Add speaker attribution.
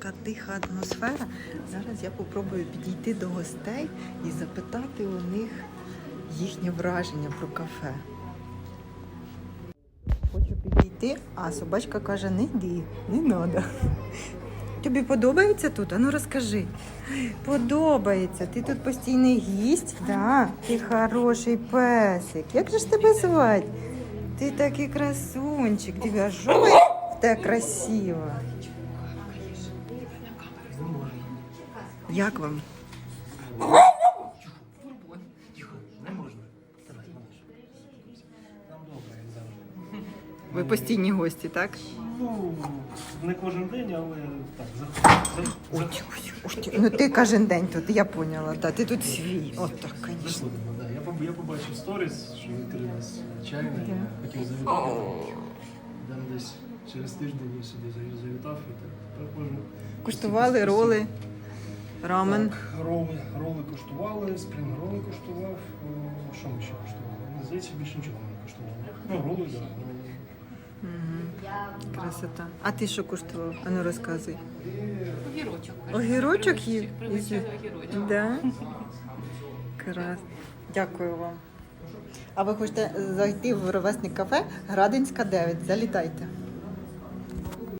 Speaker 1: така тиха атмосфера. Зараз я попробую підійти до гостей і запитати у них їхнє враження про кафе. Хочу підійти, а собачка каже, не йди, не треба. Тобі подобається тут? А ну розкажи. Подобається. Ти тут постійний гість? Да. Ти хороший песик. Як же ж тебе звати? Ти такий красунчик. Диви, жой в те красиво. Як вам? Ви постійні гості, так?
Speaker 2: Ну, не кожен день, але так, заходимо.
Speaker 1: Ну ти кожен день тут, я поняла. Да. Ти тут свій. От так, звісно.
Speaker 2: Заходимо, да. Я побачив сторіс, що відкрили нас чайна, я хотів завітати. Там десь через тиждень я сюди завітав і так можу.
Speaker 1: Куштували роли, рамен.
Speaker 2: Так, роли куштували, спрінг-роли куштував. Що ми ще куштували? Здається, більше нічого не куштували. Ну, роли, так.
Speaker 1: Красота. А ти що куштував? А ну розказуй.
Speaker 3: Огірочок.
Speaker 1: Огірочок їв?
Speaker 3: Пригощали огірочок.
Speaker 1: Да? Крас. Дякую вам. А ви хочете зайти в ровесник кафе Градинська 9? Залітайте.